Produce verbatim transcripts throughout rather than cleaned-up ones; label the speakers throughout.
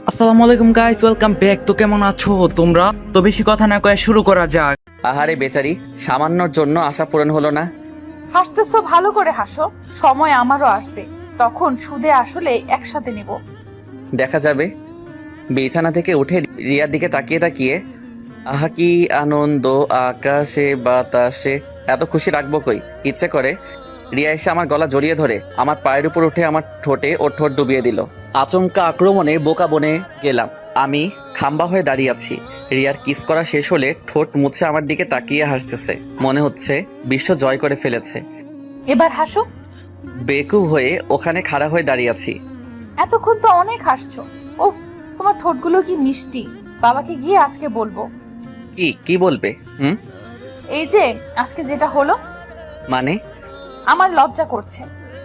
Speaker 1: আসসালামু আলাইকুম guys, welcome back. তো কেমন আছো তোমরা? তো বেশি কথা না কয়ে শুরু করা যাক।
Speaker 2: আহারে বেচারি, সামান্যর জন্য আশা পূরণ হলো না।
Speaker 3: হাসতেছো, ভালো করে হাসো। সময় আমারও আসবে, তখন সুদে আসলে একসাথে নিব।
Speaker 2: দেখা যাবে। বিছানা থেকে উঠে রিয়ার দিকে তাকিয়ে তাকিয়ে আহা কি আনন্দ, আকাশে বাতাসে। এত খুশি রাখবো কই? ইচ্ছে করে রিয়া এসে আমার গলা জড়িয়ে ধরে আমার পায়ের উপর উঠে আমার ঠোঁটে ওর ঠোঁট ডুবিয়ে দিল। আচমকা আক্রমণে বোকা বনে গেলাম। আমি খাম্বা হয়ে দাঁড়িয়ে আছি। রিয়ার কিস করা শেষ হলে ঠোঁট মুছে আমার দিকে তাকিয়ে হাসতেছে। মনে হচ্ছে বিশ্ব জয় করে ফেলেছে।
Speaker 3: এবার হাসো।
Speaker 2: বেকুব হয়ে ওখানে খাড়া হয়ে দাঁড়িয়ে আছি।
Speaker 3: এতক্ষণ তো অনেক হাসছো। উফ, তোমার ঠোঁটগুলো কি মিষ্টি। বাবাকে গিয়ে আজকে বলবো।
Speaker 2: কি কি বলবে? হুম
Speaker 3: এই যে আজকে যেটা হলো,
Speaker 2: মানে?
Speaker 3: আমার লজ্জা করছে।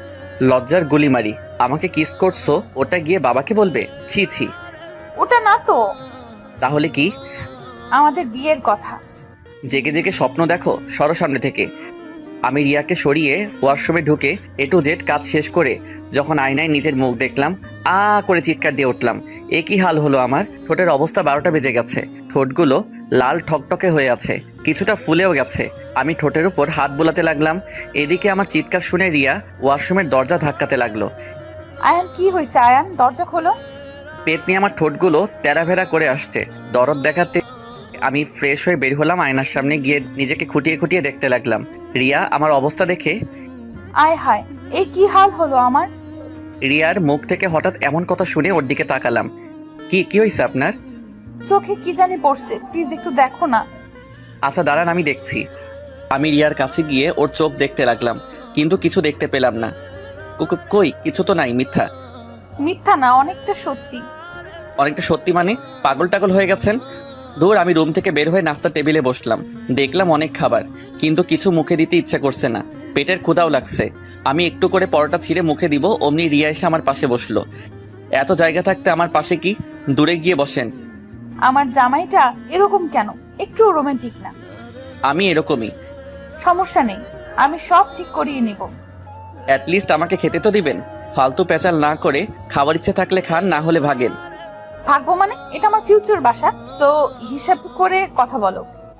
Speaker 2: লজ্জার গুলি মারি। আমাকে কিস করছো, ওটা গিয়ে বাবাকে বলবে? ছি ছি।
Speaker 3: ওটা না তো,
Speaker 2: তাহলে কি?
Speaker 3: আমাদের বিয়ের কথা।
Speaker 2: জেগে জেগে স্বপ্ন দেখো, সরো সামনে থেকে। আমি রিয়াকে সরিয়ে ওয়াশরুমে ঢুকে এ টু জেড কাজ শেষ করে যখন আয়নায় নিজের মুখ দেখলাম, আ করে চিৎকার দিয়ে উঠলাম। এ কি হাল হলো আমার? ঠোঁটের অবস্থা বারোটা বেজে গেছে। ঠোঁটগুলো লাল ঠকটকে হয়ে আছে, কিছুটা ফুলেও গেছে। আমি ঠোঁটের উপর হাত বোলাতে লাগলাম। এদিকে আমার চিৎকার শুনে রিয়া ওয়াশরুমের দরজা ধাক্কাতে লাগলো।
Speaker 3: আয়ান, কি হয়েছে আয়ান? দরজা খোলো।
Speaker 2: পেট নিয়ে আমার ঠোঁটগুলো তেরাভেরা করে আসছে। দরদ দেখাতে আমি ফ্রেশ হয়ে বের হলাম। আয়নার সামনে গিয়ে নিজেকে খুঁটিয়ে খুঁটিয়ে দেখতে লাগলাম। রিয়া আমার অবস্থা দেখে,
Speaker 3: আয় হায়, এই কি হাল হলো আমার।
Speaker 2: রিয়ার মুখ থেকে হঠাৎ এমন কথা শুনে ওর দিকে তাকালাম। কি কি হয়েছে আপনার?
Speaker 3: চোখে কি জানি পড়ছে, প্লিজ একটু দেখো না।
Speaker 2: আচ্ছা দাঁড়ান, আমি দেখছি। আমি রিয়ার কাছে গিয়ে ওর চোখ দেখতে লাগলাম, কিন্তু কিছু দেখতে পেলাম না। কো- কো- কই কিছু তো নাই। মিথ্যা।
Speaker 3: মিথ্যা না, অনেকটা সত্যি।
Speaker 2: অনেকটা সত্যি মানে? পাগল টাগল হয়ে গেছেন? দূর। আমি রুম থেকে বের হয়ে নাস্তার টেবিলে বসলাম। দেখলাম অনেক খাবার, কিন্তু কিছু মুখে দিতে ইচ্ছে করছে না। পেটের ক্ষুধাও লাগছে। আমি একটু করে পরোটা ছিঁড়ে মুখে দিব, অমনি রিয়া এসে আমার পাশে বসলো। এত জায়গা থাকতে আমার পাশে কি? দূরে গিয়ে বসেন।
Speaker 3: আমার জামাইটা এরকম কেন? একটু রোমান্টিক না?
Speaker 2: আমি এরকমই।
Speaker 3: সমস্যা নেই, আমি সব ঠিক করিয়ে নিব।
Speaker 2: অ্যাটলিস্ট আমাকে খেতে তো দিবেন। ফালতু পেঁচাল না করে খাবার ইচ্ছে থাকলে খান, না হলে ভাগেন।
Speaker 3: ভাগবো মানে? এটা আমার ফিউচার বাসা, তো হিসাব করে কথা বলো।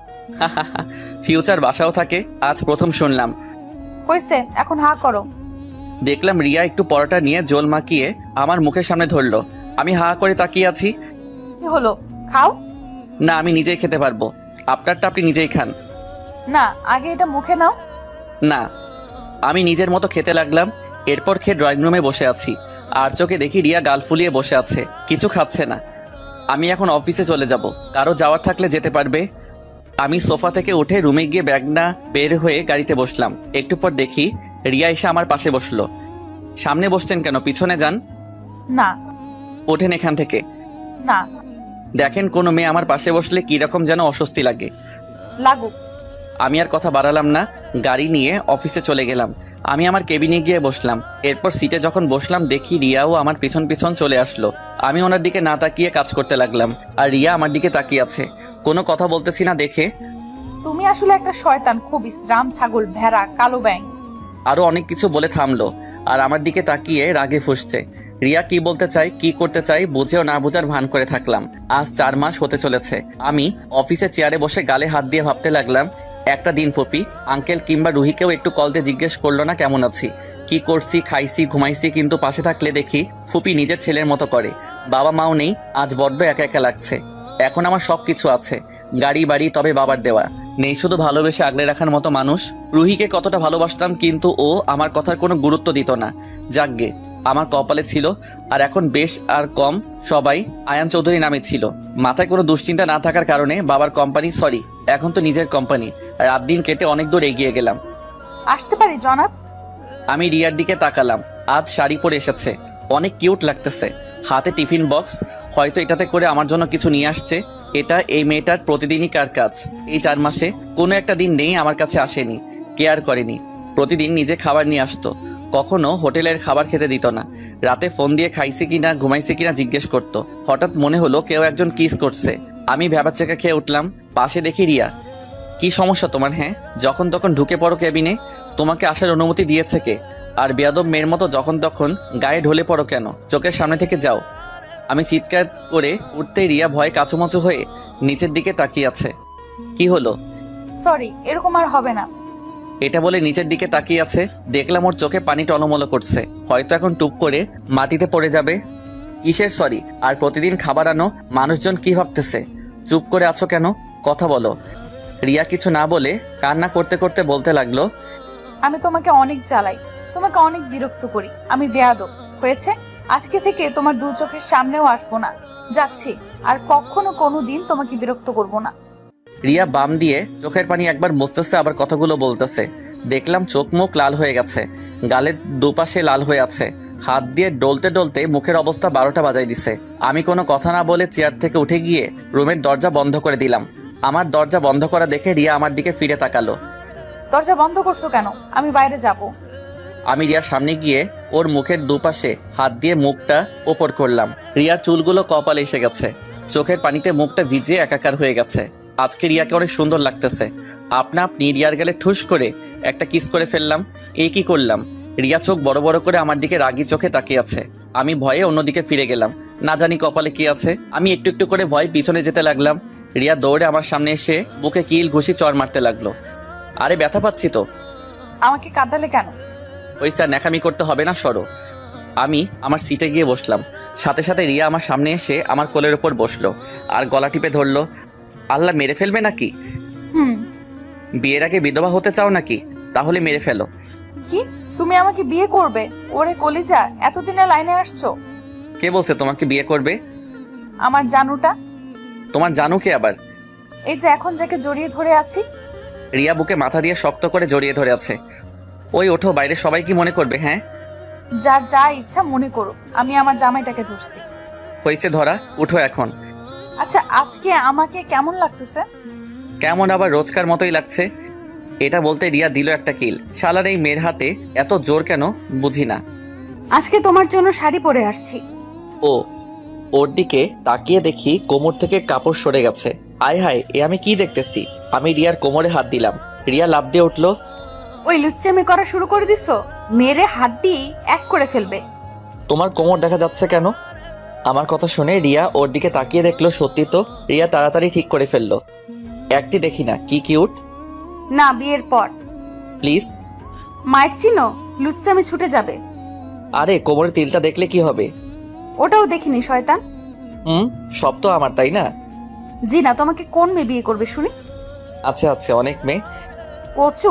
Speaker 2: ফিউচার বাসাও থাকে? আজ প্রথম শুনলাম।
Speaker 3: হয়েছে, এখন হা করো।
Speaker 2: দেখলাম রিয়া একটু পরোটা নিয়ে জল মাখিয়ে আমার মুখের সামনে ধরলো। আমি হা করে তাকিয়ে আছি।
Speaker 3: কি হলো, খাও।
Speaker 2: না, আমি নিজেই খেতে পারবো। আপনারটা আপনি নিজেই খান।
Speaker 3: না, আগে এটা মুখে নাও।
Speaker 2: না। আমি নিজের মতো খেতে লাগলাম। এরপর খেয়ে ড্রয়িং রুমে বসে আছি। আর চোখে দেখি রিয়া গাল ফুলিয়ে বসে আছে, কিছু খাচ্ছে না। আমি এখন অফিসে চলে যাব, কারো যাওয়ার থাকলে যেতে পারবে। আমি সোফা থেকে উঠে রুমে গিয়ে ব্যাগ না বের হয়ে গাড়িতে বসলাম। একটু পর দেখি রিয়া এসে আমার পাশে বসলো। সামনে বসছেন কেন? পিছনে যান।
Speaker 3: না।
Speaker 2: ওঠেন এখান থেকে।
Speaker 3: না।
Speaker 2: দেখেন, কোনো মেয়ে আমার পাশে বসলে কীরকম যেন অস্বস্তি লাগে।
Speaker 3: লাগুক।
Speaker 2: আমি আর কথা বাড়ালাম না, গাড়ি নিয়ে অফিসে চলে গেলাম। আমি আমার কেবিনে গিয়ে বসলাম। এরপর সিটে যখন বসলাম দেখি রিয়াও আমার পিছন পিছন চলে আসলো। আমি ওনার দিকে না তাকিয়ে কাজ করতে লাগলাম, আর রিয়া আমার দিকে তাকিয়ে আছে। কোনো কথা বলতেছি না দেখে।
Speaker 3: তুমি আসলে একটা শয়তান, খবিস, রাম ছাগল, ভেড়া, কালো ব্যাং।
Speaker 2: আরও অনেক কিছু বলে থামলো, আর আমার দিকে তাকিয়ে রাগে ফুঁসছে। রিয়া কি বলতে চাই, কি করতে চাই বুঝেও না বুঝার ভান করে থাকলাম। আজ চার মাস হতে চলেছে। আমি অফিসে চেয়ারে বসে গালে হাত দিয়ে ভাবতে লাগলাম, একটা দিন ফুপি, আঙ্কেল কিংবা রুহিকেও একটু কল দিয়ে জিজ্ঞেস করলো না কেমন আছি, কি করছি, খাইছি, ঘুমাইছি। কিন্তু পাশে থাকলে দেখি ফুপি নিজের ছেলের মতো করে। বাবা মাও নেই, আজ বড্ড একা একা লাগছে। এখন আমার সব কিছু আছে, গাড়ি বাড়ি, তবে বাবার দেওয়া নেই শুধু ভালোবেসে আগলে রাখার মতো মানুষ। রুহিকে কতটা ভালোবাসতাম, কিন্তু ও আমার কথার কোনো গুরুত্ব দিত না। যাকগে, আমার কপালে ছিল। আর এখন বেশ আর কম সবাই আয়ান চৌধুরী নামে ছিল। মাথায় কোনো দুশ্চিন্তা না থাকার কারণে বাবার কোম্পানি, সরি এখন তো নিজের কোম্পানি, রাত দিন কেটে অনেক দূর এগিয়ে গেলাম।
Speaker 3: আসতে পারি জনাব?
Speaker 2: আমি রিয়ার দিকে তাকালাম। আজ শাড়ি পরে এসেছে, অনেক কিউট লাগতেছে। হাতে টিফিন বক্স, হয়তো এটাতে করে আমার জন্য কিছু নিয়ে আসছে। এটা এই মেয়েটার প্রতিদিনই কার কাজ। এই চার মাসে কোনো একটা দিন নেই আমার কাছে আসেনি, কেয়ার করেনি। প্রতিদিন নিজে খাবার নিয়ে আসতো, কখনো হোটেলের খাবার খেতে দিত না। রাতে ফোন দিয়ে খাইছি কিনা, ঘুমাইছি কিনা জিজ্ঞেস করতো। হঠাৎ মনে হলো কেউ একজন কিস করছে। আমি ভ্যাবাচ্চাকা খেয়ে উঠলাম। পাশে দেখি রিয়া। কি সমস্যা তোমার? হ্যাঁ, যখন তখন ঢুকে পড়ো কেবিনে। তোমাকে আসার অনুমতি দিয়েছে কে? আর বেয়াদব মেয়ের মতো যখন তখন গায়ে ঢলে পড়ো কেন? চোখের সামনে থেকে যাও। আমি চিৎকার করে উঠতেই রিয়া ভয়ে কাচুমাচু হয়ে নিচের দিকে তাকিয়ে আছে। কি হলো?
Speaker 3: সরি, এরকম আর হবে না।
Speaker 2: এটা বলে নিচের দিকে তাকিয়ে আছে। দেখলাম ওর চোখে পানি টলমলো করছে, হয়তো এখন টুপ করে মাটিতে পড়ে যাবে। কিসের সরি? আর প্রতিদিন খাবার আনো, মানুষজন কি ভাবতেছে? চুপ করে আছো কেন? কথা বলো। রিয়া কিছু না বলে কান্না করতে করতে বলতে লাগলো,
Speaker 3: আমি তোমাকে অনেক জ্বালাই, তোমাকে অনেক বিরক্ত করি, আমি বেয়াদব। হয়েছে, আজকে থেকে তোমার দু চোখের সামনেও আসবো না, যাচ্ছি। আর কখনো কোনো দিন তোমাকে বিরক্ত করব না।
Speaker 2: রিয়া বাম দিয়ে চোখের পানি একবার মুছতেছে, আবার কথাগুলো বলতেছে। দেখলাম চোখ মুখ লাল হয়ে গেছে, গালের দুপাশে লাল হয়ে আছে। হাত দিয়ে ডলতে ডলতে মুখের অবস্থা বারোটা বাজাই দিছে। আমি কোনো কথা না বলে চেয়ার থেকে উঠে গিয়ে রুমের দরজা বন্ধ করে দিলাম। আমার দরজা বন্ধ করা দেখে রিয়া আমার দিকে ফিরে তাকালো।
Speaker 3: দরজা বন্ধ করছো কেন? আমি বাইরে যাব।
Speaker 2: আমি রিয়ার সামনে গিয়ে ওর মুখের দুপাশে হাত দিয়ে মুখটা ওপর করলাম। রিয়ার চুলগুলো কপালে এসে গেছে, চোখের পানিতে মুখটা ভিজে একাকার হয়ে গেছে। আজকে রিয়াকে অনেক সুন্দর লাগতেছে। আপনা আপনি রিয়ার গেলে ঠুস করে একটা কিস করে ফেললাম। এই কি করলাম? রিয়া চোখ বড় বড় করে আমার দিকে রাগি চোখে তাকিয়ে আছে। আমি ভয়ে অন্যদিকে ফিরে গেলাম, না জানি কপালে কি আছে। আমি একটু একটু করে ভয় পিছনে যেতে লাগলাম। রিয়া দৌড়ে আমার সামনে এসে বুকে কিল ঘুষি চড় মারতে লাগলো। আরে ব্যথা পাচ্ছি তো।
Speaker 3: আমাকে কাঁদালে কেন?
Speaker 2: ওই স্যার, ন্যাকামি করতে হবে না, সরো। আমি আমার সিটে গিয়ে বসলাম। সাথে সাথে রিয়া আমার সামনে এসে আমার কোলের ওপর বসলো আর গলা টিপে ধরলো। আল্লাহ, মেরে ফেলবে নাকি?
Speaker 3: হুম।
Speaker 2: বিয়ের আগে বিধবা হতে চাও নাকি? তাহলে মেরে ফেলো।
Speaker 3: কি? তুমি আমাকে বিয়ে করবে? ওরে কলিজা, এতদিনে লাইনে আসছো?
Speaker 2: কে বলছে তোমাকে বিয়ে করবে?
Speaker 3: আমার জানুটা।
Speaker 2: তোমার জানু কে আবার?
Speaker 3: এই যে এখন যাকে জড়িয়ে ধরে আছি।
Speaker 2: রিয়া বুকে মাথা দিয়ে শক্ত করে জড়িয়ে ধরে আছে। ওই ওঠো, বাইরে সবাই কি মনে করবে? হ্যাঁ,
Speaker 3: যার যা ইচ্ছা মনে করো, আমি আমার জামাইটাকে ধরছি।
Speaker 2: হয়েছে ধরা, উঠো এখন।
Speaker 3: আচ্ছা, আজকে আমাকে কেমন লাগতেছে?
Speaker 2: কেমন আবার? রোজকার মতোই লাগছে। এটা বলতে রিয়া দিল একটা কিল। শালার এই মেয়ের হাতে এত জোর কেন বুঝি না।
Speaker 3: আজকে তোমার জন্য শাড়ি পরে আসছি।
Speaker 2: ও, ওর দিকে তাকিয়ে দেখি কোমর থেকে কাপড় সরে গেছে। আয় হায়, এ আমি কি দেখতেছি? আমি রিয়ার কোমরে হাত দিলাম। রিয়া লাফ দিয়ে উঠলো।
Speaker 3: ওই লুচ্চামি করা শুরু করে দিছো? মেরে হাড্ডি এক করে ফেলবে।
Speaker 2: তোমার কোমর দেখা যাচ্ছে কেন? আমার কথা শুনে রিয়া ওর দিকে তাকিয়ে দেখলো, সত্যি তো। রিয়া তাড়াতাড়ি ঠিক করে ফেললো। একটি দেখি না, কি কিউট।
Speaker 3: না, বিয়ের পর।
Speaker 2: প্লিজ।
Speaker 3: মায়ের চিনো? লুচ্চামি ছুটে যাবে।
Speaker 2: আরে, কোমরের তিলটা দেখলে কি হবে?
Speaker 3: ওটাও দেখিনি শয়তান।
Speaker 2: হুম, সব তো আমার, তাই না?
Speaker 3: জি না, তোমাকে কোন মেয়ে বিয়ে করবে শুনি?
Speaker 2: আচ্ছা আচ্ছা, অনেক মেয়ে।
Speaker 3: কচু।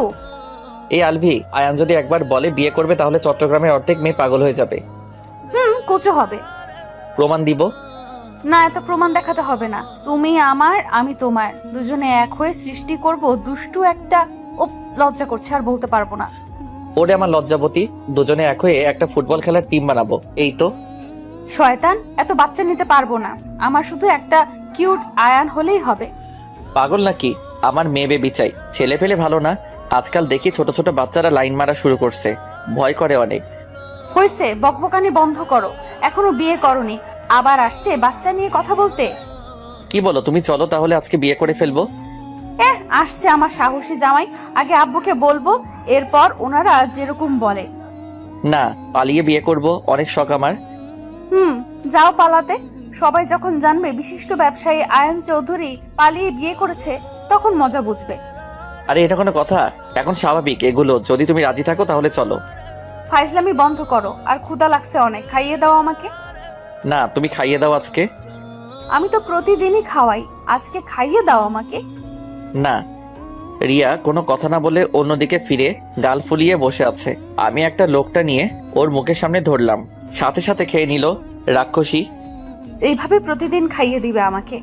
Speaker 2: এই আলভি, আয়ান যদি একবার বলে বিয়ে করবে তাহলে চট্টগ্রামের অর্ধেক মেয়ে পাগল হয়ে যাবে।
Speaker 3: হুম, কচু হবে।
Speaker 2: প্রমাণ দিব।
Speaker 3: না, এত প্রমাণ দেখাতে হবে না। তুমি আমার, আমি তোমার, দুজনে এক হয়ে সৃষ্টি করব দুষ্টু একটা। ও, লজ্জা করছে, আর বলতে পারবো না।
Speaker 2: ওরে আমার লজ্জাবতী, দুজনে এক হয়ে একটা ফুটবল খেলার টিম বানাবো। এই তো।
Speaker 3: শয়তান, এত বাচ্চা নিতে পারবো না। আমার শুধু একটা কিউট আয়ান হলেই হবে।
Speaker 2: পাগল নাকি? আমার মেয়ে বেবি চাই, ছেলে পেলে ভালো না। আজকাল দেখি ছোট ছোট বাচ্চারা লাইন মারা শুরু করছে, ভয় করে অনেক।
Speaker 3: হয়েছে, বকবকানি বন্ধ করো। এখনো বিয়ে করনি, আবার আসছে বাচ্চা নিয়ে কথা বলতে।
Speaker 2: কি বলো তুমি? চলো তাহলে আজকে বিয়ে করে ফেলবো।
Speaker 3: এহ, আসছে আমার সাহসী জামাই। আগে আব্বুকে বলবো, এরপর ওনারা যেরকম বলে।
Speaker 2: না, পালিয়ে বিয়ে করব, অনেক শখ আমার।
Speaker 3: হুম, যাও পালাতে। সবাই যখন জানবে বিশিষ্ট ব্যবসায়ী আয়ান চৌধুরী পালিয়ে বিয়ে করেছে, তখন মজা বুঝবে।
Speaker 2: আরে এটা কোনো কথা? এখন স্বাভাবিক এগুলো। যদি তুমি রাজি থাকো তাহলে চলো।
Speaker 3: ফাইজলামি বন্ধ করো। আর ক্ষুধা লাগছে অনেক, খাইয়ে দাও আমাকে।
Speaker 2: না, তুমি খাইয়ে দাও আজকে।
Speaker 3: আমি তো প্রতিদিনই খাওয়াই, আজকে খাইয়ে দাও আমাকে।
Speaker 2: না। রিয়া কোনো কথা না বলে অন্যদিকে ফিরে গাল ফুলিয়ে বসে আছে। আমি একটা লোকটা নিয়ে ওর মুখের সামনে ধরলাম, সাথে সাথে খেয়ে নিল। রাক্ষসী।
Speaker 3: এইভাবে প্রতিদিন খাইয়ে দিবে আমাকে?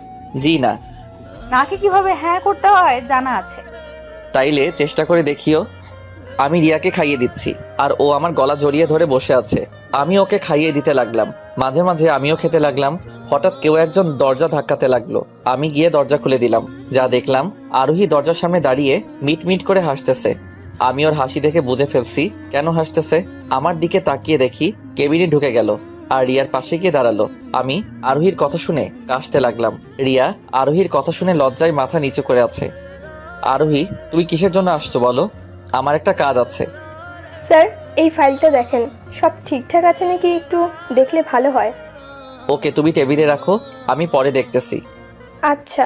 Speaker 2: জি না।
Speaker 3: নাকে কিভাবে হ্যাঁ করতে হয় জানা আছে।
Speaker 2: তাইলে চেষ্টা করে দেখিও। আমি রিয়াকে খাইয়ে দিচ্ছি আর ও আমার গলা জড়িয়ে ধরে বসে আছে। আমি ওকে খাইয়ে দিতে লাগলাম, মাঝে মাঝে আমিও খেতে লাগলাম। হঠাৎ কেউ একজন দরজা ধাক্কাতে লাগলো। আমি গিয়ে দরজা খুলে দিলাম। যা দেখলাম, আরোহী দরজার সামনে দাঁড়িয়ে মিট মিট করে হাসতেছে। আমি ওর হাসি দেখে বুঝে ফেলছি কেন হাসতেছে। আমার দিকে তাকিয়ে দেখি কেবিনে ঢুকে গেল আর রিয়ার পাশে গিয়ে দাঁড়ালো। আমি আরোহীর কথা শুনে কাশতে লাগলাম। রিয়া আরোহীর কথা শুনে লজ্জায় মাথা নিচু করে আছে। আরোহী, তুমি কিসের জন্য আসছো বলো? আমার একটা কাজ আছে।
Speaker 4: স্যার, এই ফাইলটা দেখেন, সব ঠিকঠাক আছে নাকি একটু দেখলে ভালো হয়।
Speaker 2: ওকে, তুমি টেবিলে রাখো, আমি পরে দেখতেছি।
Speaker 4: আচ্ছা।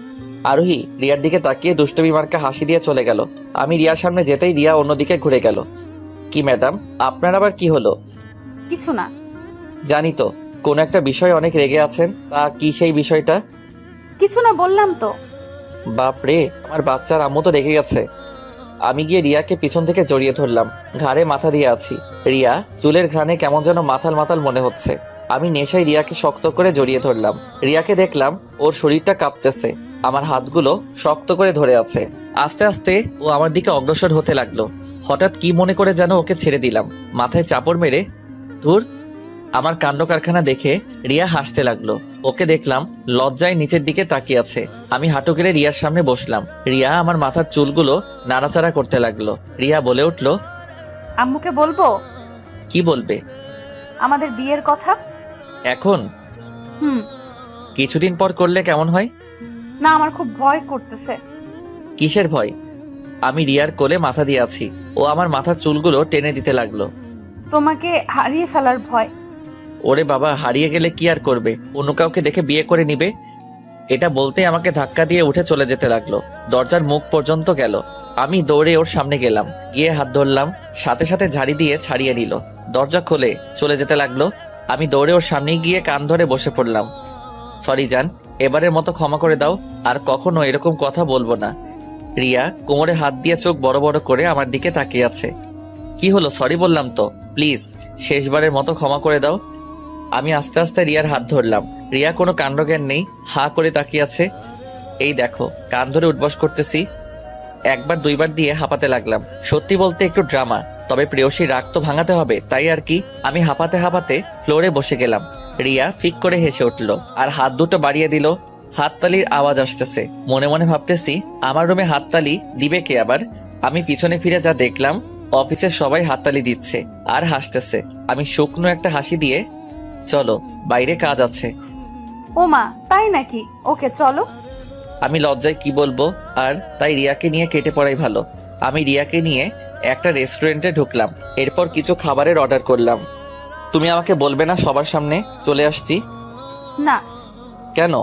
Speaker 2: আরোহী রিয়ার দিকে তাকিয়ে দুষ্টমি মার্কা হাসি দিয়ে চলে গেল। আমি রিয়ার সামনে যেতেই রিয়া অন্যদিকে ঘুরে গেল। কি ম্যাডাম, আপনার আবার কি হলো?
Speaker 3: কিছু না।
Speaker 2: জানি তো কোন একটা বিষয়ে অনেক রেগে আছেন, তা কি সেই বিষয়টা?
Speaker 3: কিছু না বললাম তো।
Speaker 2: বাপ রে, আমার বাচ্চার আম্মু তো রেগে গেছে। আমি গিয়ে রিয়াকে পিছন থেকে জড়িয়ে ধরলাম, ঘাড়ে মাথা দিয়ে আছি। রিয়া চুলের ঘ্রাণে কেমন যেন মাথাল মাথাল মনে হচ্ছে। আমি নেশায় রিয়াকে শক্ত করে জড়িয়ে ধরলাম। রিয়াকে দেখলাম ওর শরীরটা কাঁপতেছে, আমার হাতগুলো শক্ত করে ধরে আছে। আস্তে আস্তে ও আমার দিকে অগ্রসর হতে লাগলো। হঠাৎ কি মনে করে যেন ওকে ছেড়ে দিলাম, মাথায় চাপড় মেরে। ধুর, আমার কাণ্ড কারখানা দেখে রিয়া হাসতে লাগলো। ওকে দেখলাম লজ্জায় নিচের দিকে তাকিয়ে আছে। আমি হাঁটু গেড়ে রিয়ার সামনে বসলাম। রিয়া আমার মাথার চুলগুলো নাড়াচাড়া করতে লাগলো। রিয়া বলে উঠল,
Speaker 3: আম্মুকে বলবো?
Speaker 2: কি বলবে?
Speaker 3: আমাদের বিয়ের কথা।
Speaker 2: এখন?
Speaker 3: হুম।
Speaker 2: কিছুদিন পর করলে কেমন হয়?
Speaker 3: না, আমার খুব ভয় করতেছে।
Speaker 2: কিসের ভয়? আমি রিয়ার কোলে মাথা দিয়ে আছি, ও আমার মাথার চুলগুলো টেনে দিতে লাগলো।
Speaker 3: তোমাকে হারিয়ে ফেলার ভয়।
Speaker 2: ওরে বাবা, হারিয়ে গেলে কি আর করবে? অন্য কাউকে দেখে বিয়ে করে নিবে। এটা বলতে আমাকে ধাক্কা দিয়ে উঠে চলে যেতে লাগলো। দরজার মুখ পর্যন্ত গেল। আমি দৌড়ে ওর সামনে গেলাম, গিয়ে হাত ধরলাম, সাথে সাথে ঝাড়ি দিয়ে ছাড়িয়ে নিল। দরজা খুলে চলে যেতে লাগলো। আমি দৌড়ে ওর সামনে গিয়ে কান ধরে বসে পড়লাম। সরি জান, এবারের মতো ক্ষমা করে দাও, আর কখনো এরকম কথা বলবো না। রিয়া কোমরে হাত দিয়ে চোখ বড় বড় করে আমার দিকে তাকিয়ে আছে। কি হলো? সরি বললাম তো, প্লিজ শেষবারের মতো ক্ষমা করে দাও। আমি আস্তে আস্তে রিয়ার হাত ধরলাম। রিয়া কোনো কাণ্ডজ্ঞান নেই, হা করে তাকিয়ে আছে। এই দেখো, কান ধরে উঠবস করতেছি। একবার দুইবার দিয়ে হাঁপাতে লাগলাম। সত্যি বলতে একটু ড্রামা, তবে প্রেয়সী রাগ তো ভাঙাতে হবে, তাই আর কি। আমি হাঁপাতে হাঁপাতে ফ্লোরে বসে গেলাম। রিয়া ফিক করে হেসে উঠল আর হাত দুটো বাড়িয়ে দিল। হাততালির আওয়াজ আসতেছে। মনে মনে ভাবতেছি, আমার রুমে হাততালি দিবে কে আবার? আমি পিছনে ফিরে যা দেখলাম, অফিসের সবাই হাততালি দিচ্ছে আর হাসতেছে। আমি শুকনো একটা হাসি দিয়ে, চলো বাইরে কাজ আছে।
Speaker 3: ও মা, তাই নাকি? ওকে চলো।
Speaker 2: আমি লজ্জায় কি বলবো, আর তাই রিয়াকে নিয়ে কেটে পড়াই ভালো। আমি রিয়াকে নিয়ে একটা রেস্টুরেন্টে ঢুকলাম। এরপর কিছু খাবারের অর্ডার করলাম। তুমি আমাকে বলবে না সবার সামনে চলে আসছি?
Speaker 3: না।
Speaker 2: কেন?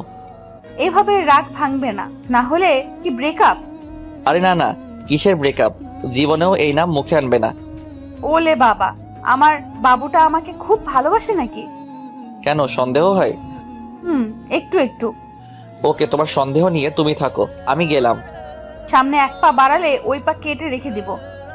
Speaker 3: এভাবে রাগ ভাঙবে না, না হলে কি ব্রেকআপ?
Speaker 2: আরে না না, কিসের ব্রেকআপ? জীবনেও এই নাম মুখে আনবে না।
Speaker 3: ওলে বাবা, আমার বাবুটা আমাকে খুব ভালোবাসে নাকি?
Speaker 2: কেন, সন্দেহ হয়?
Speaker 3: হুম, একটু একটু।
Speaker 2: ওকে, তোমার সন্দেহ নিয়ে তুমি থাকো, আমি গেলাম।
Speaker 3: সামনে এক পা বাড়ালে ওই পা কেটে রেখে দিব।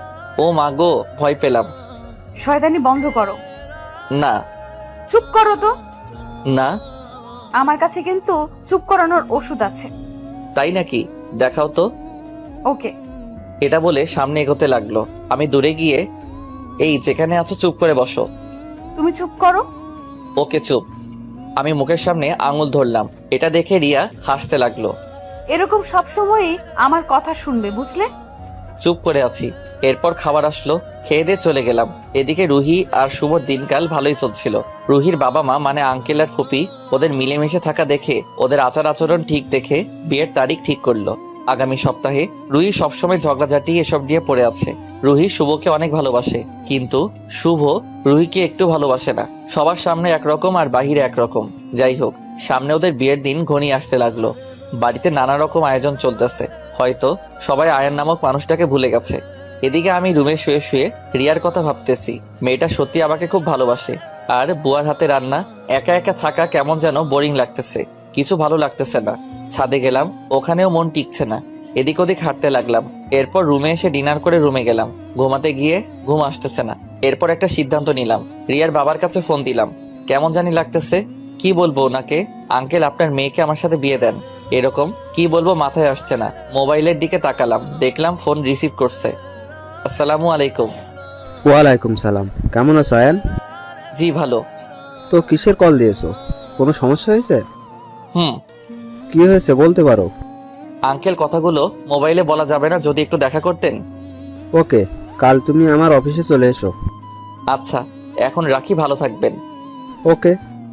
Speaker 2: ও মা গো, ভয় পেলাম।
Speaker 3: শয়তানি বন্ধ করো।
Speaker 2: না।
Speaker 3: চুপ করো তো।
Speaker 2: না।
Speaker 3: আমার কাছে কিন্তু চুপ করানোর ওষুধ আছে।
Speaker 2: তাই নাকি? দেখাও তো।
Speaker 3: ওকে।
Speaker 2: এটা বলে সামনে এগোতে লাগলো। আমি দূরে গিয়ে, এই যেখানে আছো চুপ করে বসো।
Speaker 3: তুমি চুপ করো।
Speaker 2: ওকে চুপ। আমি মুখের সামনে আঙুল ধরলাম। এটা দেখে রিয়া হাসতে লাগলো।
Speaker 3: এরকম সব সময়ই আমার কথা শুনবে, বুঝলে?
Speaker 2: চুপ করে আছি। এরপর খাবার আসলো, খেয়ে দিয়ে চলে গেলাম। এদিকে রুহি আর শুভর দিনকাল ভালোই চলছিল। রুহির বাবা মা মানে আঙ্কেল আর ফুপি ওদের মিলেমিশে থাকা দেখে, ওদের আচার আচরণ ঠিক দেখে বিয়ের তারিখ ঠিক করলো আগামী সপ্তাহে। রুহি সবসময় ঝগড়াঝাটি এসব দিয়ে পড়ে আছে। রুহি শুভকে অনেক ভালোবাসে, কিন্তু শুভ রুহিকে একটু ভালোবাসে না। সবার সামনে একরকম আর বাহিরে একরকম। যাই হোক, সামনে ওদের বিয়ের দিন ঘনিয়ে আসতে লাগলো। বাড়িতে নানা রকম আয়োজন চলতেছে। হয়তো সবাই আয়ান নামক মানুষটাকে ভুলে গেছে। এদিকে আমি রুমে শুয়ে শুয়ে রিয়ার কথা ভাবতেছি। মেয়েটা সত্যি আমাকে খুব ভালোবাসে। আর বুয়ার হাতে রান্না, একা একা থাকা কেমন যেন বোরিং লাগতেছে, কিছু ভালো লাগতেছে না। ছাদে গেলাম, ওখানেও মন টিকছে না। এদিক ওদিক হাঁটতে লাগলাম। এরপর রুমে এসে ডিনার করে রুমে গেলাম। ঘুমাতে গিয়ে ঘুম আসতেছে না। এরপর একটা সিদ্ধান্ত নিলাম, রিয়ার বাবার কাছে ফোন দিলাম। কেমন জানি লাগতেছে, কি বলবো ওনাকে, আঙ্কেল আপনার মেয়েকে আমার সাথে বিয়ে দেন, এরকম কি বলবো মাথায় আসছে না। মোবাইলের দিকে তাকালাম, দেখলাম ফোন রিসিভ করছে। আসসালামু আলাইকুম।
Speaker 5: ওয়ালাইকুম সালাম। কেমন আছো আয়ান?
Speaker 2: জি ভালো।
Speaker 5: তো কিসের কল দিয়েছো? কোনো সমস্যা হয়েছে?
Speaker 2: হুম।
Speaker 5: কি হয়েছে বলতে পারো?
Speaker 2: আঙ্কেল, কথাগুলো মোবাইলে বলা যাবে না, যদি একটু দেখা করতেন।
Speaker 5: ওকে, কাল তুমি আমার অফিসে চলে এসো।
Speaker 2: আচ্ছা, এখন রাখি, ভালো থাকবেন।
Speaker 5: ওকে।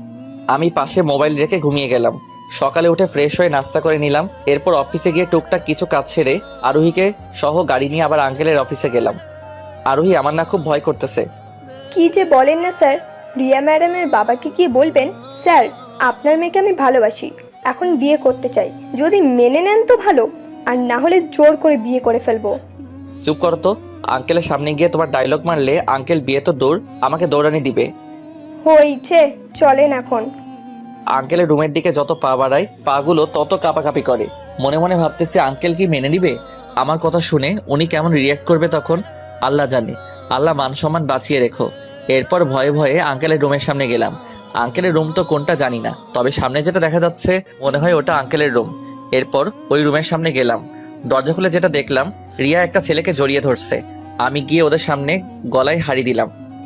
Speaker 2: আমি পাশে মোবাইল রেখে ঘুমিয়ে গেলাম। সকালে উঠে ফ্রেশ হয়ে নাস্তা করে নিলাম। এরপর অফিসে গিয়ে টুকটাক কিছু কাজ ছেড়ে আরোহীকে সহ গাড়ি নিয়ে আবার আঙ্কেলের অফিসে গেলাম। আরোহী, আমার না খুব ভয় করতেছে।
Speaker 4: কি যে বলেন না স্যার, রিয়া ম্যাডামের বাবাকে কি বলবেন? স্যার, আপনার মেয়েকে আমি ভালোবাসি, এখন বিয়ে করতে চাই। যদি মেনে নেন তো ভালো, আর না হলে জোর করে বিয়ে করে ফেলবো।
Speaker 2: চুপ করো তো। আঙ্কেলের সামনে গিয়ে তোমার ডায়লগ মারলে আঙ্কেল বিয়ে তো দূর, আমাকে দৌড়ানি দিবে।
Speaker 4: হয়েছে, চলেন এখন।
Speaker 2: আঙ্কেলের রুমের দিকে যত পা বাড়ায় পাগুলো তত কাঁপাকাঁপি করে। মনে মনে ভাবতেছি আঙ্কেল কি মেনে নিবে আমার কথা শুনে? উনি কেমন রিয়াক্ট করবে তখন আল্লাহ জানে। আল্লাহ মান সম্মান বাঁচিয়ে রেখো। এরপর ভয়ে ভয়ে আঙ্কেলের রুমের সামনে গেলাম। আঙ্কেলের রুম তো কোনটা জানি না, তবে সামনে যেটা দেখা যাচ্ছে মনে হয় ওটা আঙ্কেলের রুম। এরপর ওই রুমের সামনে গেলাম। দরজা খুলে যেটা দেখলাম, রিয়া একটা ছেলেকে জড়িয়ে ধরছে। আমি গিয়ে ওদের সামনে গলায় হাড়ি দিলাম।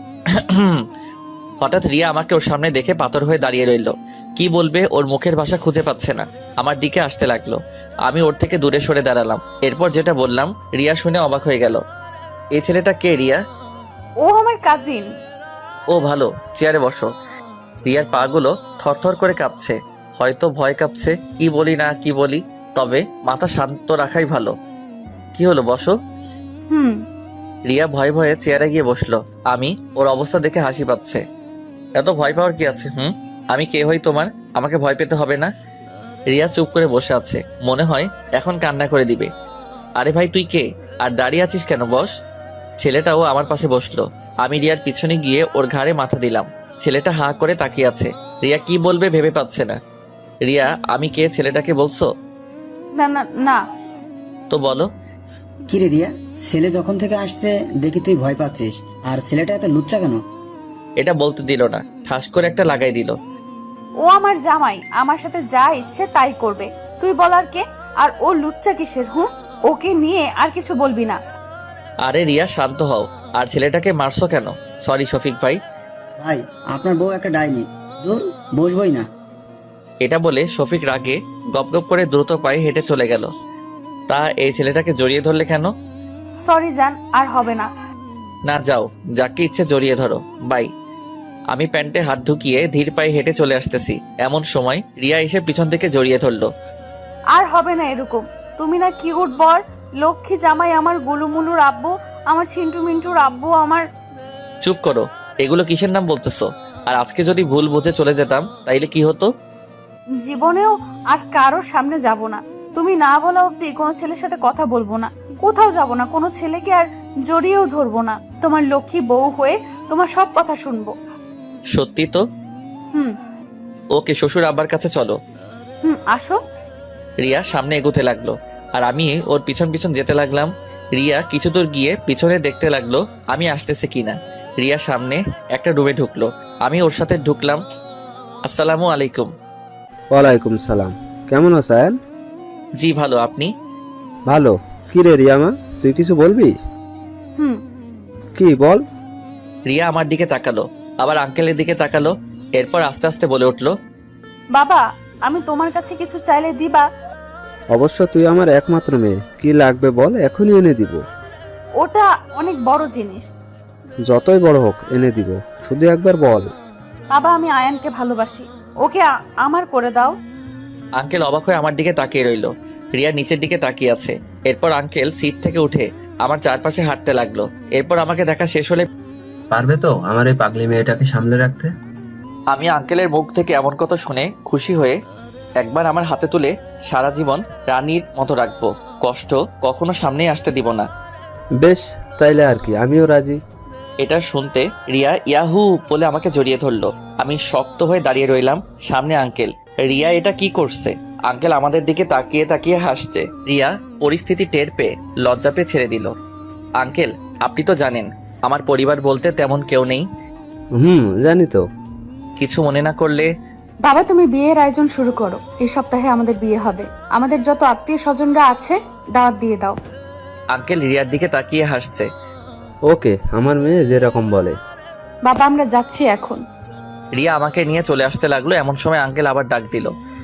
Speaker 2: হঠাৎ রিয়া আমাকে ওর সামনে দেখে পাথর হয়ে দাঁড়িয়ে রইল। কি বলবে ওর মুখের ভাষা খুঁজে পাচ্ছে না। আমার দিকে আসতে লাগলো। আমি ওর থেকে দূরে সরে দাঁড়ালাম। এরপর যেটা বললাম রিয়া শুনে অবাক হয়ে গেল। এই ছেলেটা কে রিয়া?
Speaker 3: ও আমার কাজিন।
Speaker 2: ও ভালো, চেয়ারে বসো। রিয়ার পাগুলো থরথর করে কাঁপছে, হয়তো ভয় কাঁপছে। কি বলি না কি বলি, তবে মাথা শান্ত রাখাই ভালো। কি হলো, বসো।
Speaker 3: হুম।
Speaker 2: রিয়া ভয়ে ভয়ে চেয়ারে গিয়ে বসলো। আমি ওর অবস্থা দেখে হাসি পাচ্ছে। এত ভয় পাওয়ার কি আছে? হুম, আমি কে হই তোমার? আমাকে ভয় পেতে হবে না। রিয়া চুপ করে বসে আছে, মনে হয় এখন কান্না করে দিবে। আরে ভাই তুই কে, আর দাঁড়িয়ে আছিস কেন? বস। ছেলেটাও আমার পাশে বসলো। আমি রিয়ার পিছনে গিয়ে ওর ঘাড়ে মাথা দিলাম। ছেলেটা হাঁ করে তাকিয়ে আছে। রিয়া কি বলবে ভেবে পাচ্ছে না। রিয়া, আমি কে ছেলেটাকে বলছো?
Speaker 3: না না না।
Speaker 2: তো বলো।
Speaker 6: কি রে রিয়া, ছেলে যখন থেকে আসছে দেখি তুই ভয় পাচ্ছিস, আর ছেলেটা এত লুচ্চা কেন?
Speaker 2: এটা বলতে দিল না, ঠাস করে একটা লাগাই দিল।
Speaker 3: ও আমার জামাই, আমার সাথে যা ইচ্ছে তাই করবে। তুই বলার কে? আর ও লুচ্চা কিসের? হুঁ, ওকে নিয়ে আর কিছু বলবি না।
Speaker 2: আরে রিয়া শান্ত হও। আর ছেলেটাকে মারছো কেন? সরি শফিক ভাই।
Speaker 6: ভাই, আপনার বউ একটা ডাইনি, দূর বসবই না।
Speaker 2: এটা বলে শফিক রাগে গপ গপ করে দ্রুত পায়ে হেঁটে চলে গেল। তা এই ছেলেটাকে জড়িয়ে ধরলে কেন?
Speaker 3: সরি জান, আর হবে না।
Speaker 2: না যাও, যাকে ইচ্ছে জড়িয়ে ধরো, বাই। আমি প্যান্টে হাত ঢুকিয়ে ধীর পায়ে হেঁটে চলে আসতেছি। এমন সময় রিয়া এসে পিছন থেকে জড়িয়ে ধরলো।
Speaker 3: আর হবে না এরকম। তুমি না কিউট বর, লক্ষ্মী জামাই, আমার গুলুমুলুর আব্বু, আমার চিন্টু মিন্টুর আব্বু, আমার।
Speaker 2: চুপ করো, এগুলো কিসের নাম বলতেছো? আর আজকে যদি ভুল বুঝে চলে যেতাম তাইলে কি হতো?
Speaker 3: জীবনেও আর কারোর সামনে যাব না। তুমি না বলা অব্দি কোনো ছেলের সাথে কথা বলবো না, কোথাও যাব না, কোনো ছেলেকে আর জড়িয়েও ধরবো না। তোমার লক্ষ্মী বউ হয়ে তোমার সব কথা শুনবো।
Speaker 2: সত্যি তো?
Speaker 3: হুম
Speaker 2: ওকে, শ্বশুর আব্বার কাছে চলো।
Speaker 3: হুম আসো।
Speaker 2: রিয়া সামনে এগোতে লাগলো আর আমি ওর পিছন পিছন যেতে লাগলাম। রিয়া কিছু দূর গিয়ে পিছনে দেখতে লাগলো আমি আসতেছি কিনা। রিয়া সামনে একটা রুমে ঢুকলো, আমি ওর সাথে ঢুকলাম। আসসালামু আলাইকুম।
Speaker 5: ওয়ালাইকুম সালাম। কেমন আছেন?
Speaker 2: জি ভালো, আপনি?
Speaker 5: ভালো। কি রে রিয়ামা, তুই কিছু বলবি?
Speaker 3: হুম।
Speaker 5: কি বল?
Speaker 2: রিয়া আমার দিকে তাকালো, আবার আঙ্কেলের দিকে তাকালো। এরপর আস্তে আস্তে বলে উঠলো,
Speaker 3: বাবা, আমি তোমার কাছে কিছু চাইলে দিবা?
Speaker 5: অবশ্য তুই আমার একমাত্র মেয়ে, কি লাগবে বল, এখনই এনে দিব।
Speaker 3: ওটা অনেক বড় জিনিস।
Speaker 5: যতই বড় হোক এনে দিব, শুধু একবার বল।
Speaker 3: বাবা, আমি আয়ানকে ভালোবাসি, ওকে আ- আমার করে দাও।
Speaker 2: আঙ্কেল অবাক হয়ে আমার দিকে তাকিয়ে রইলো। রিয়া নিচের দিকে তাকিয়ে আছে। এরপর আঙ্কেল সিট থেকে উঠে আমার চারপাশে হাঁটতে লাগলো। এরপর আমাকে দেখা শেষ হলে
Speaker 7: পারবে তো আমার এই পাগলি মেয়েটাকে সামলে রাখতে?
Speaker 2: আমি আঙ্কেলের মুখ থেকে এমন কথা শুনে খুশি হয়ে একবার আমার হাতে তুলে সারা জীবন রানীর মতো রাখবো। কষ্ট কখনো সামনেই আসতে দিব না।
Speaker 5: বেশ, তাইলে আর কি, আমিও রাজি।
Speaker 2: এটা শুনতে রিয়া ইয়াহু বলে আমাকে জড়িয়ে ধরলো। আমি শক্ত হয়ে দাঁড়িয়ে রইলাম। সামনে আঙ্কেল। রিয়া এটা কি করছে? আঙ্কেল আমাদের দিকে তাকিয়ে তাকিয়ে হাসছে। রিয়া পরিস্থিতি টের পেয়ে লজ্জা পেয়ে ছেড়ে দিল। আঙ্কেল, আপনি তো জানেন আমার পরিবার বলতে তেমন কেউ নেই।
Speaker 5: হুম, জানি তো।
Speaker 2: কিছু মনে না করলে
Speaker 3: বাবা, তুমি বিয়ের আয়োজন শুরু করো। এই সপ্তাহে আমাদের বিয়ে হবে। আমাদের যত আত্মীয় স্বজনরা আছে দাওয়াত দিয়ে দাও।
Speaker 2: আঙ্কেল রিয়ার দিকে তাকিয়ে হাসছে।
Speaker 5: ওকে, আমার মেয়ে যেরকম বলে।
Speaker 3: বাবা, আমরা যাচ্ছি এখন।
Speaker 2: রিয়া আমাকে নিয়ে চলে আসতে লাগলো। এমন সময় আঙ্কেল আবার ডাক দিল।